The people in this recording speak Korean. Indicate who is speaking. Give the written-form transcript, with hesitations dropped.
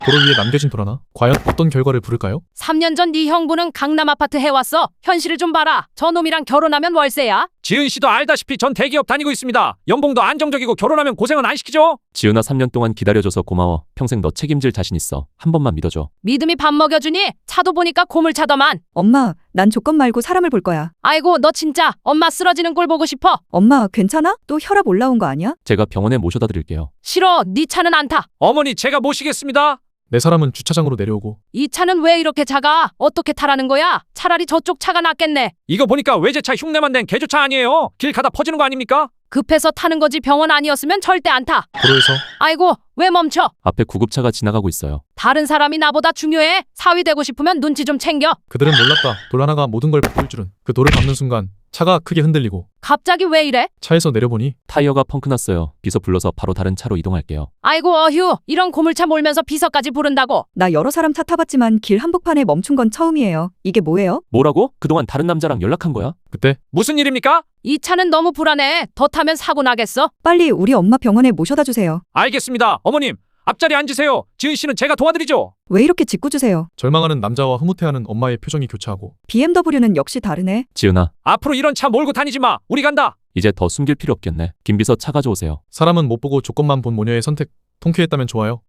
Speaker 1: 도로 위에 남겨진 도라나? 과연 어떤 결과를 부를까요?
Speaker 2: 3년 전 네 형부는 강남 아파트 해왔어. 현실을 좀 봐라. 저놈이랑 결혼하면 월세야.
Speaker 3: 지은 씨도 알다시피 전 대기업 다니고 있습니다. 연봉도 안정적이고 결혼하면 고생은 안 시키죠?
Speaker 4: 지은아 3년 동안 기다려줘서 고마워. 평생 너 책임질 자신 있어. 한 번만 믿어줘.
Speaker 2: 믿음이 밥 먹여주니? 차도 보니까 고물차더만.
Speaker 5: 엄마, 난 조건 말고 사람을 볼 거야.
Speaker 2: 아이고 너 진짜 엄마 쓰러지는 꼴 보고 싶어.
Speaker 5: 엄마, 괜찮아? 또 혈압 올라온 거 아니야?
Speaker 4: 제가 병원에 모셔다 드릴게요.
Speaker 2: 싫어. 네 차는 안 타.
Speaker 3: 어머니 제가 모시겠습니다.
Speaker 1: 내 사람은 주차장으로 내려오고
Speaker 2: 이 차는 왜 이렇게 작아? 어떻게 타라는 거야? 차라리 저쪽 차가 낫겠네.
Speaker 3: 이거 보니까 외제차 흉내만 낸 개조차 아니에요. 길 가다 퍼지는 거 아닙니까?
Speaker 2: 급해서 타는 거지 병원 아니었으면 절대 안 타.
Speaker 1: 도로에서
Speaker 2: 아이고 왜 멈춰?
Speaker 4: 앞에 구급차가 지나가고 있어요.
Speaker 2: 다른 사람이 나보다 중요해? 사위 되고 싶으면 눈치 좀 챙겨.
Speaker 1: 그들은 몰랐다. 돌 하나가 모든 걸 바꿀 줄은. 그 돌을 밟는 순간 차가 크게 흔들리고
Speaker 2: 갑자기 왜 이래?
Speaker 1: 차에서 내려보니
Speaker 4: 타이어가 펑크 났어요. 비서 불러서 바로 다른 차로 이동할게요.
Speaker 2: 아이고 어휴 이런 고물차 몰면서 비서까지 부른다고.
Speaker 5: 나 여러 사람 차 타봤지만 길 한복판에 멈춘 건 처음이에요. 이게 뭐예요?
Speaker 4: 뭐라고? 그동안 다른 남자랑 연락한 거야?
Speaker 1: 그때
Speaker 3: 무슨 일입니까?
Speaker 2: 이 차는 너무 불안해. 더 타면 사고 나겠어.
Speaker 5: 빨리 우리 엄마 병원에 모셔다 주세요.
Speaker 3: 알겠습니다. 어머님 앞자리 앉으세요. 지은 씨는 제가 도와드리죠.
Speaker 5: 왜 이렇게 짓궂으세요?
Speaker 1: 절망하는 남자와 흐뭇해하는 엄마의 표정이 교차하고
Speaker 5: BMW는 역시 다르네.
Speaker 4: 지은아,
Speaker 3: 앞으로 이런 차 몰고 다니지 마. 우리 간다.
Speaker 4: 이제 더 숨길 필요 없겠네. 김 비서 차 가져오세요.
Speaker 1: 사람은 못 보고 조건만 본 모녀의 선택 통쾌했다면 좋아요.